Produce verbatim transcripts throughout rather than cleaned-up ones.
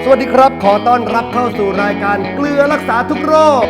สวัสดีครับขอต้อนรับเข้าสู่รายการเกลือรักษาทุกโรค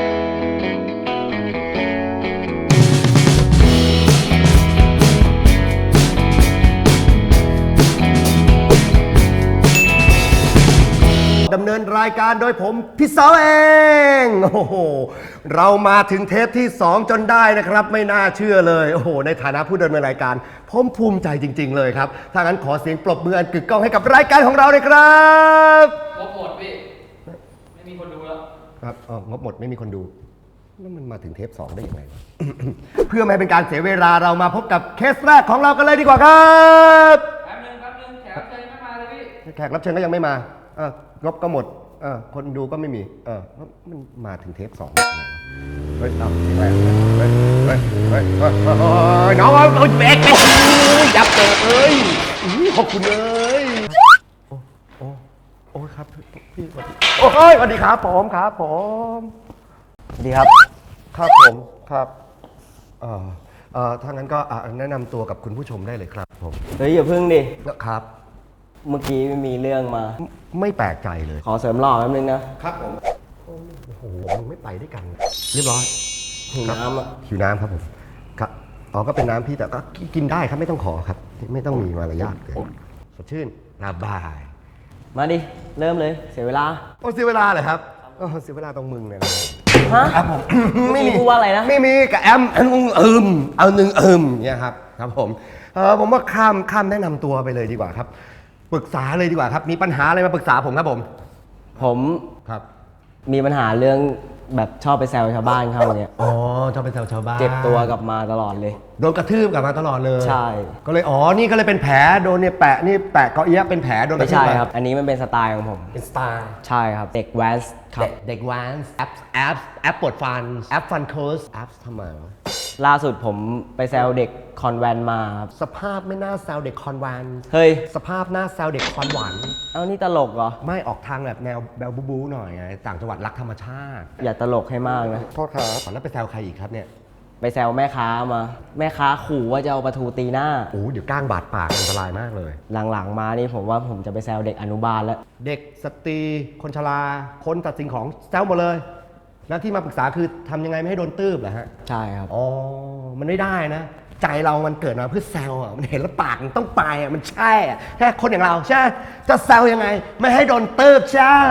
ดำเนินรายการโดยผมพี่สาวเองโอ้โหเรามาถึงเทปที่สองจนได้นะครับไม่น่าเชื่อเลยโอ้โหในฐานะผู้ดำเนินรายการผมภูมิใจจริงๆเลยครับถ้างั้นขอเสียงปรบมืออันกึกก้องให้กับรายการของเราเลยครับงบหมดพี่ไม่มีคนดูแล้วครับอ๋องบหมดไม่มีคนดูแล้วมันมาถึงเทปสองได้ยังไง เพื่อไม่เป็นการเสียเวลาเรามาพบกับเคสแรกของเรากันเลยดีกว่าครับแป๊บนึงแป๊บนึงแขกรับเชิญไม่มาเลยพี่แขกรับเชิญก็ยังไม่มาเอองบก็หมดเออคนดูก็ไม่มีเออมันมาถึงเทปสองได้ยังไงเฮ้ยเอาเฮ้ยเฮ้ยเฮ้ยเฮ้ยเฮ้ยเฮ้ยน้องเอาเอาแบกแบกยับเตะเอ้ยขอบคุณเลยโอ้โอ้โอ้ครับพี่สวัสดีโอ้ยสวัสดีครับผมครับผมสวัสดีครับครับผมครับเอ่อเอ่อถ้างั้นก็แนะนำตัวกับคุณผู้ชมได้เลยครับผมเฮ้ยอย่าพึ่งดิครับเมื่อกี้มีเรื่องมาไม่แปลกใจเลยขอเสริมหล่อแป๊บนึงนะครับผมโอ้โหมึงไม่ไปด้วยกันเรียบร้อยหิวน้ำอ่ะหิวน้ำครับผมครับอ๋อก็เป็นน้ำพี่แต่ก็กินได้ครับไม่ต้องขอครับไม่ต้องมีมารยาทเลยสดชื่นระบายมาดิเริ่มเลยเสียเวลาโอ้เสียเวลาเลยครับโอ้เสียเวลาตรงมึงเลยนะฮะครับผมไม่มีพูดว่าอะไรนะไม่มีกับแอมอันนึงเอิมเอาหนึ่งเอิมเนี่ยครับครับผมเออผมว่าข้ามข้ามแนะนำตัวไปเลยดีกว่าครับปรึกษาเลยดีกว่าครับมีปัญหาอะไรมาปรึกษาผมครับผมผมครับมีปัญหาเรื่องแบบชอบไปแซวชาวบ้านเขาเนี่ยอ๋อชอบไปแซวชาวบ้านเจ็บตัวกลับมาตลอดเลยโดนกระทืบกลับมาตลอดเลยใช่ก็เลยอ๋อนี่ก็เลยเป็นแผลโดนเนี่ยแปะนี่แปะเกาะเอี้ยเป็นแผลโดนกระทืบไม่ใช่ครับอันนี้มันเป็นสไตล์ของผมเป็นสไตล์ใช่ครับเด็กแวนส์ครับเด็กแวนส์แอปแอปแอปปวดฟันแอปฟันโค้ชแอปทำไมวะล่าสุดผมไปแซวเด็กคอนแวนมาครับสภาพไม่น่าแซวเด็กคอนแวนเฮ้ยสภาพน่าแซวเด็กคอนหวานเอานี่ตลกเหรอไม่ออกทางแบบแนวแบลบูบูหน่อยไงต่างจังหวัดรักธรรมชาติอย่าตลกให้มากนะโทษครับแล้วไปแซวใครอีกครับเนี่ยไปแซวแม่ค้ามาแม่ค้าขู่ว่าจะเอาปลาทูตีหน้าโอ้เดี๋ยวก้างบาดปากอันตรายมากเลยหลังๆมานี่ผมว่าผมจะไปแซวเด็กอนุบาลแล้วเด็กสตรีคนชราคนตัดสิ่งของแซวหมดเลยแล้วที่มาปรึกษาคือทำยังไงไม่ให้โดนตืบเหรอฮะใช่ครับอ๋อมันไม่ได้นะใจเรามันเกิดมาเพื่อแซวอ่ะมันเห็นแล้วปากมันต้องไปอ่ะมันใช่อ่ะแค่คนอย่างเราใช่จะแซวยังไงไม่ให้โดนตืบใช่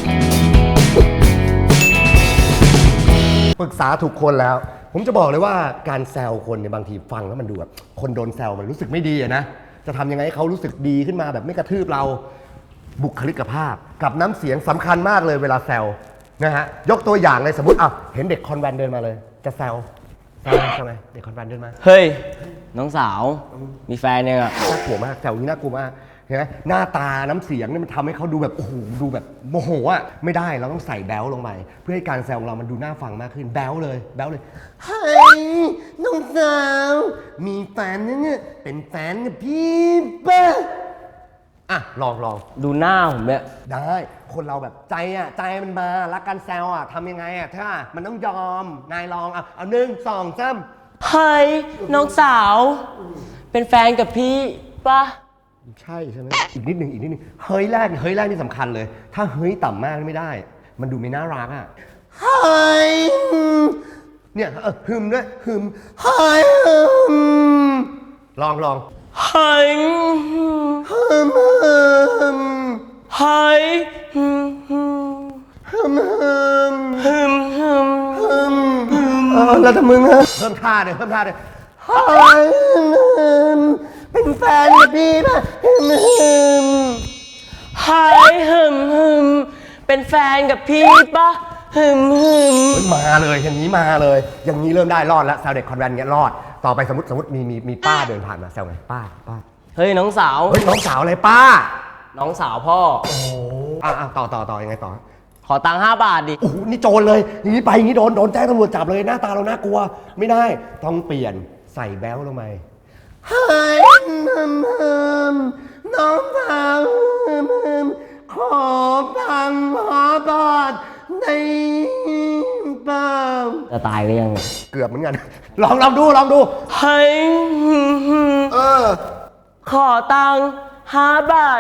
ปรึกษาถูกคนแล้วผมจะบอกเลยว่าการแซวคนเนี่ยบางทีฟังแล้วมันดูแบบคนโดนแซวมันรู้สึกไม่ดีอะนะจะทำยังไงให้เขารู้สึกดีขึ้นมาแบบไม่กระทืบเราบุคลิกภาพกับน้ำเสียงสำคัญมากเลยเวลาแซวนะฮะยกตัวอย่างเลยสมมติอ่ะเห็นเด็กคอนแวนเดินมาเลยจะแซวแซวใช่ไหมเด็กคอนแวนเดินมาเฮ้ยน้องสาวมีแฟนยังอ่ะน่ากลัวมากแซวนี้น่ากลัวมากเห็นไหมหน้าตาน้ำเสียงนี่มันทำให้เขาดูแบบโอ้โหดูแบบโมโหอ่ะไม่ได้เราต้องใส่แบลลงไปเพื่อให้การแซวของเรามันดูน่าฟังมากขึ้นแบลเลยแบลเลยเฮ้ยน้องสาวมีแฟนเนี่ยเป็นแฟนกับพี่ป่ะอ่ะลองลองดูหน้าผมเนี่ยได้คนเราแบบใจอ่ะใจมันมารักกันแซวอ่ะทำยังไงอ่ะถ้ามันต้องยอมนายลองอ่ะเอาหนึ่งสองสามเฮ้ยน้องสาวเป็นแฟนกับพี่ป่ะใช่ใช่ไหมอีกนิดหนึ่งอีกนิดหนึ่งเฮ้ยแรกเฮ้ยแรกนี่สำคัญเลยถ้าเฮ้ยต่ำมากไม่ได้มันดูไม่น่ารักอ่ะเฮ้ยเนี่ยฮึมด้วยฮึมเฮ้ยฮึมลองลองเฮ้ยฮึมฮึมเฮ้ยฮึมฮึมฮึมฮึมฮึมฮึมฮึมเออแล้วถ้ามึงฮะเพิ่มท่าเลยเพิ่มท่าเลยเฮ้ยฮึมเป็นแฟนกับพี่ป่ะฮึมฮึมเฮ้ยฮึมฮึมเป็นแฟนกับพี่ป่ะฮึมฮึมมาเลยอย่างนี้มาเลยอย่างนี้เริ่มได้รอดแล้วแซวเด็กคอนแวนต์เงี้ยรอดต่อไปสมมติสมมติมีมีมีป้าเดินผ่านมาแซวไงป้าป้าเฮ้ยน้องสาวเฮ้ยน้องสาวอะไรป้าน้องสาวพ่อโอ้อ่ะต่อต่อต่อยังไงต่อขอตังค์ห้าบาทดิโอ้โหนี่โจรเลยอย่างนี้ไปอย่างนี้โดนโดนแจ้งตำรวจจับเลยหน้าตาเราน่ากลัวไม่ได้ต้องเปลี่ยนใส่แบลลงไปเฮ้ยฮึมฮึมน้องสาวฮึมฮึมขอตังค์ห้าบาทในเปล่าจะตายหรือยังเกือบเหมือนกันลองลองดูลองดูเฮ้ยเออขอตังค์ห้าบาท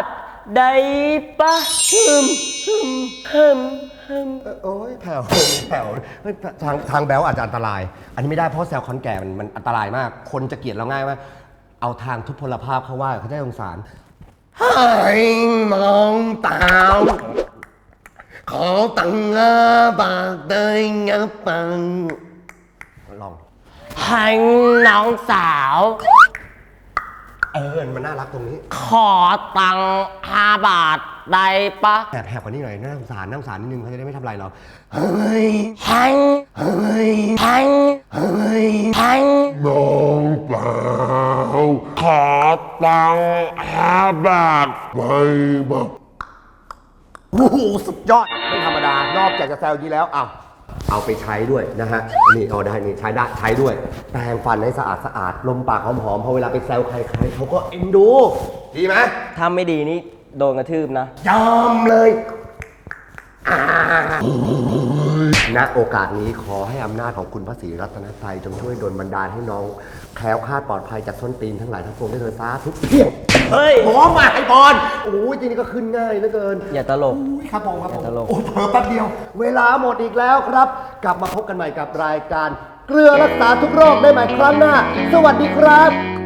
ได้ปะฮึมฮึมฮึมฮึมเอ่อโอ้ยแผ่วแผ่วเฮ้ยทางทางแบลอาจจะอันตราย อันนี้ไม่ได้เพราะแซวคอนแก่มันมันอันตรายมาก คนจะเกลียดเราง่ายมากเอาทางทุพพลภาพเขาว่าเขาจะได้สงสารให้มองตาวขอตังงาบากเดยงับปังลองให้น้องสาวเออมันน่ารักตรงนี้ขอตังค์ห้าบาทได้ปะแอบแหบกว่านี้หน่อยน่าสงสารน่าสงสารนิดนึงเขาจะได้ไม่ทำอะไรเราเฮ้ยให้เฮ้ยให้เฮ้ยให้น้องเปล่าขอตังค์ห้าบาทไปบ้างโอ้โหสุดยอดไม่ธรรมดานอกจากจะแซวยี้แล้วอ้าวเอาไปใช้ด้วยนะฮะนี่เอาได้นี่ใช้ได้ใช้ด้วยแปรงฟันให้สะอาดสะอาดลมปากหอมๆพอเวลาไปแซวใครๆเขาก็เอ็นดู ดีไหมถ้าไม่ดีนี่โดนกระทืบนะยอมเลยอ่าณโอกาสนี้ขอให้อำนาจของคุณพระศรีรัตนตรัยจงช่วยดลบันดาลให้น้องแคล้วคลาดปลอดภัยจากส้นตีนทั้งหลายทั้งปวงได้เลยสาธุเพียงเฮ้ยหอมมาไอ้บอลโอ้ยจริงๆก็ขึ้นง่ายเหลือเกินอย่าตลกอุ๊ยครับผมครับผมอย่าตลกโอ้เผลอแป๊บเดียว เวลาหมดอีกแล้วครับ กลับมาพบกันใหม่กับรายการ เกลือรักษาทุกโรคได้ใหม่ครั้งหน้า สวัสดีครับ